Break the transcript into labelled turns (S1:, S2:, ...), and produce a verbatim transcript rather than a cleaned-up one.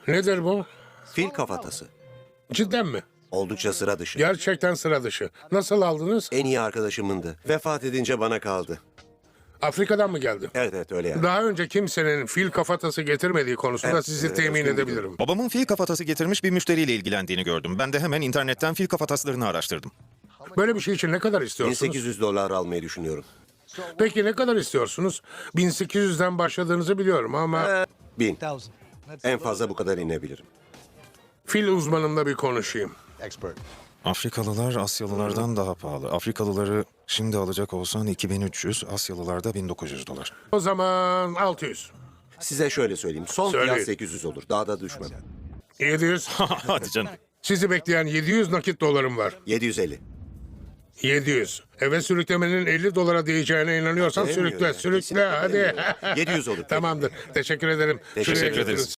S1: Nedir bu?
S2: Fil kafatası.
S1: Cidden mi?
S2: Oldukça sıra dışı.
S1: Gerçekten sıra dışı. Nasıl aldınız?
S2: En iyi arkadaşımındı. Vefat edince bana kaldı.
S1: Afrika'dan mı geldi?
S2: Evet evet öyle yani.
S1: Daha önce kimsenin fil kafatası getirmediği konusunda
S2: Evet,
S1: sizi
S2: evet,
S1: temin
S2: özgür
S1: edebilirim.
S2: biliyorum.
S3: Babamın fil kafatası getirmiş bir müşteriyle ilgilendiğini gördüm. Ben de hemen internetten fil kafataslarını araştırdım.
S1: Böyle bir şey için ne kadar
S2: bin
S1: istiyorsunuz?
S2: sekiz yüz dolar almayı düşünüyorum.
S1: Peki ne kadar istiyorsunuz? bin sekiz yüzden başladığınızı biliyorum ama
S2: Bin. En fazla bu kadar inebilirim.
S1: fil uzmanımla bir konuşayım.
S3: Afrikalılar Asyalılardan daha pahalı. Afrikalıları şimdi alacak olsan iki bin üç yüz, Asyalılarda bin dokuz yüz dolar.
S1: O zaman altı yüz.
S2: Size şöyle söyleyeyim. Son
S1: Söyleyin.
S2: fiyat sekiz yüz olur. Daha da düşmem.
S1: yedi yüz.
S3: Hadi canım.
S1: Sizi bekleyen yedi yüz nakit dolarım var.
S2: yedi yüz elli.
S1: yedi yüz. Eve sürüklemenin elli dolara değeceğine inanıyorsan
S2: Demiyor
S1: sürükle,
S2: ya.
S1: sürükle
S2: Kesinlikle
S1: hadi.
S2: demiyor. yedi yüz olur.
S1: Tamamdır. Teşekkür ederim.
S2: Teşekkür
S1: Şuraya
S3: ederiz.
S1: götürün.